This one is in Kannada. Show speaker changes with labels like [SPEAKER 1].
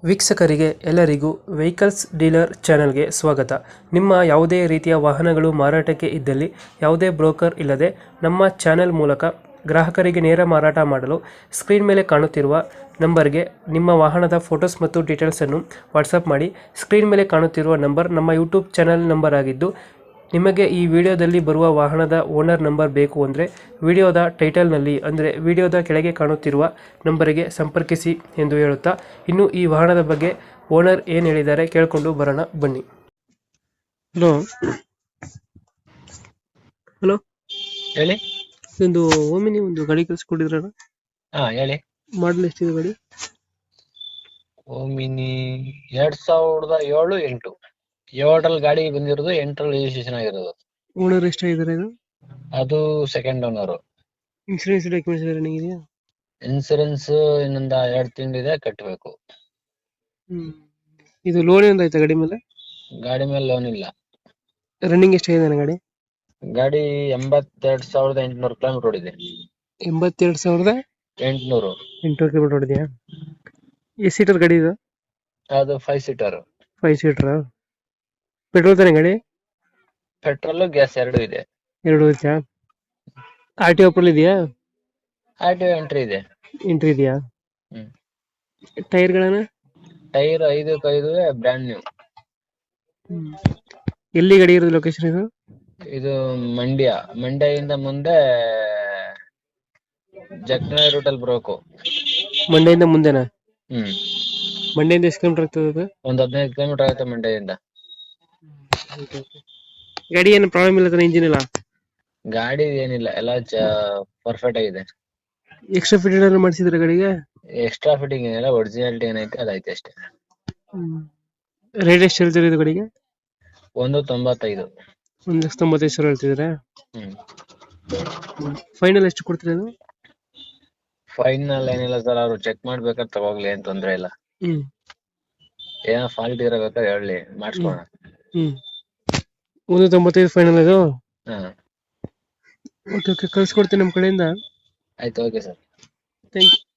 [SPEAKER 1] ವೀಕ್ಷಕರಿಗೆ ಎಲ್ಲರಿಗೂ ವೆಹಿಕಲ್ಸ್ ಡೀಲರ್ ಚಾನೆಲ್ಗೆ ಸ್ವಾಗತ. ನಿಮ್ಮ ಯಾವುದೇ ರೀತಿಯ ವಾಹನಗಳು ಮಾರಾಟಕ್ಕೆ ಇದ್ದಲ್ಲಿ ಯಾವುದೇ ಬ್ರೋಕರ್ ಇಲ್ಲದೆ ನಮ್ಮ ಚಾನೆಲ್ ಮೂಲಕ ಗ್ರಾಹಕರಿಗೆ ನೇರ ಮಾರಾಟ ಮಾಡಲು ಸ್ಕ್ರೀನ್ ಮೇಲೆ ಕಾಣುತ್ತಿರುವ ನಂಬರ್ಗೆ ನಿಮ್ಮ ವಾಹನದ ಫೋಟೋಸ್ ಮತ್ತು ಡೀಟೇಲ್ಸನ್ನು ವಾಟ್ಸಪ್ ಮಾಡಿ. ಸ್ಕ್ರೀನ್ ಮೇಲೆ ಕಾಣುತ್ತಿರುವ ನಂಬರ್ ನಮ್ಮ ಯೂಟ್ಯೂಬ್ ಚಾನೆಲ್ ನಂಬರ್ ಆಗಿದ್ದು, ನಿಮಗೆ ಈ ವಿಡಿಯೋದಲ್ಲಿ ಬರುವ ವಾಹನದ ಓನರ್ ನಂಬರ್ ಬೇಕು ಅಂದರೆ ವಿಡಿಯೋದ ಟೈಟಲ್ನಲ್ಲಿ ಅಂದರೆ ವಿಡಿಯೋದ ಕೆಳಗೆ ಕಾಣುತ್ತಿರುವ ನಂಬರಿಗೆ ಸಂಪರ್ಕಿಸಿ ಎಂದು ಹೇಳುತ್ತಾ, ಇನ್ನು ಈ ವಾಹನದ ಬಗ್ಗೆ ಓನರ್ ಏನು ಹೇಳಿದ್ದಾರೆ ಕೇಳಿಕೊಂಡು ಬರೋಣ ಬನ್ನಿ. ಹಲೋ ಹಲೋ
[SPEAKER 2] ಹೇಳಿ.
[SPEAKER 1] ಒಂದು ಓಮಿನಿ ಒಂದು ಗಾಡಿ ಕಳಿಸ್ಕೊಟ್ಟಿದ್ರಲ್ಲ,
[SPEAKER 2] ಹಾ ಹೇಳಿ.
[SPEAKER 1] ಮಾಡಲ್ ಎಷ್ಟಿದೆ ಗಾಡಿ?
[SPEAKER 2] ಓಮಿನಿ 2007-8 7ರಲ್ಲಿ ಗಾಡಿ ಬಂದಿರೋದು, 8ರಲ್ಲಿ ರಿಜಿಸ್ಟ್ರೇಷನ್ ಆಗಿರೋದು.
[SPEAKER 1] ಓನರ್ ಎಷ್ಟಾಗಿದ್ದಾರೆ ಇದು?
[SPEAKER 2] ಅದು second owner.
[SPEAKER 1] Insurance documents running ಇದೆಯಾ?
[SPEAKER 2] ಇನ್ಸೂರೆನ್ಸ್ ಇನ್ನೊಂದ 2 ತಿಂಗಳಿದೆ, ಕಟ್ಟಬೇಕು.
[SPEAKER 1] ಇದು ಲೋನ್ ಏನಾರ ಆಯ್ತಾ ಗಾಡಿ ಮೇಲೆ?
[SPEAKER 2] ಗಾಡಿ ಮೇಲೆ ಲೋನ್ ಇಲ್ಲ.
[SPEAKER 1] ರನ್ನಿಂಗ್ ಎಷ್ಟಾಗಿದೆ ಗಾಡಿ?
[SPEAKER 2] ಗಾಡಿ 82,800 ಕಿಲೋಮೀಟರ್ ಓಡಿದೆ.
[SPEAKER 1] 82,800 ಕಿಲೋಮೀಟರ್ ಹೊಡಿದೆಯಾ? ಎಷ್ಟು ಸೀಟರ್ ಗಾಡಿ ಇದು?
[SPEAKER 2] ಅದು 5 ಸೀಟರ್.
[SPEAKER 1] 5 ಸೀಟರ್. ಪೆಟ್ರೋಲ್ ತಾನೆ ಗಾಡಿ?
[SPEAKER 2] ಪೆಟ್ರೋಲ್ ಗ್ಯಾಸ್ 2 ಇದೆ.
[SPEAKER 1] ಎರಡು ಐತಾ? ಆರ್ ಟಿ ಓಪನ್ ಇದೆಯಾ?
[SPEAKER 2] ಆರ್ಟಿಒ ಎಂಟ್ರಿ ಇದೆ.
[SPEAKER 1] ಎಂಟ್ರಿ ಇದೆಯಾ?
[SPEAKER 2] ಹ್ಮ್.
[SPEAKER 1] ಟೈರ್ಗಳನ್ನ?
[SPEAKER 2] Tyre 5 brand new.
[SPEAKER 1] ಎಲ್ಲಿ ಗಾಡಿ ಇರೋದು ಲೊಕೇಶನ್ ಇದು?
[SPEAKER 2] ಇದು ಮಂಡ್ಯದಿಂದ ಮುಂದೆ ಜಗ್ನಳ್ಳಿ ರೂಟಲ್ಲಿ ಬರಬೇಕು.
[SPEAKER 1] ಮಂಡ್ಯದಿಂದ ಮುಂದೆನಾ?
[SPEAKER 2] ಹ್ಮ್.
[SPEAKER 1] ಮಂಡ್ಯದಿಂದ ಎಷ್ಟು ಕಿಲೋಮೀಟರ್ ಆಗ್ತದೆ ಅದು?
[SPEAKER 2] ಒಂದು 15 ಕಿಲೋಮೀಟರ್ ಆಗುತ್ತೆ ಮಂಡ್ಯದಿಂದ.
[SPEAKER 1] ಗಾಡಿ ಏನು ಪ್ರಾಬ್ಲಮ್ ಇಲ್ಲ ತಾನೆ? ಇಂಜಿನ್ ಇಲ್ಲ?
[SPEAKER 2] ಗಾಡಿ ಏನಿಲ್ಲ, ಎಲ್ಲ ಪರ್ಫೆಕ್ಟ್ ಆಗಿದೆ.
[SPEAKER 1] ಎಕ್ಸ್ಟ್ರಾ ಫಿಟ್ ಏನಾದ್ರು ಮಾಡಿಸಿದ್ರೆ ಗಾಡಿಗೆ?
[SPEAKER 2] ಎಕ್ಸ್ಟ್ರಾ ಫಿಟ್ಟಿಂಗ್ ಏನಿಲ್ಲ, ಒರಿಜಿನಾಲಿಟಿ ಏನೈತೆ ಅದೈತೆ ಅಷ್ಟೇ.
[SPEAKER 1] ರೇಟ್ ಎಷ್ಟು ಹೇಳ್ತೀರಿ ಇದು ಗಾಡಿಗೆ?
[SPEAKER 2] 195.
[SPEAKER 1] 1,95,000 ಹೇಳ್ತಿದ್ರೆ.
[SPEAKER 2] ಹ್ಮ್.
[SPEAKER 1] ಫೈನಲ್ ಎಷ್ಟು ಕೊಡ್ತೀರಿ ಅದು?
[SPEAKER 2] ಫೈನಲ್ ಏನಿಲ್ಲ ಸರ್, ಅವ್ರು ಚೆಕ್ ಮಾಡ್ಬೇಕಾದ್ರೆ ತಗೋಗ್ಲಿ, ಏನ್ ತೊಂದ್ರೆ ಇಲ್ಲ. ಏನೋ ಫಾಲ್ಟ್ ಇರಬೇಕಾದ್ರೆ ಹೇಳಿ, ಮಾಡಿಸ್ಕೊಳ.
[SPEAKER 1] 195 ಫೈನಲ್ ಇದು?
[SPEAKER 2] ಹಾ
[SPEAKER 1] ಓಕೆ, ಕಳ್ಸಿಕೊಡ್ತೀನಿ ನಮ್ಮ ಕಡೆಯಿಂದ.
[SPEAKER 2] ಆಯ್ತು, ಓಕೆ ಸರ್.
[SPEAKER 1] Thank you.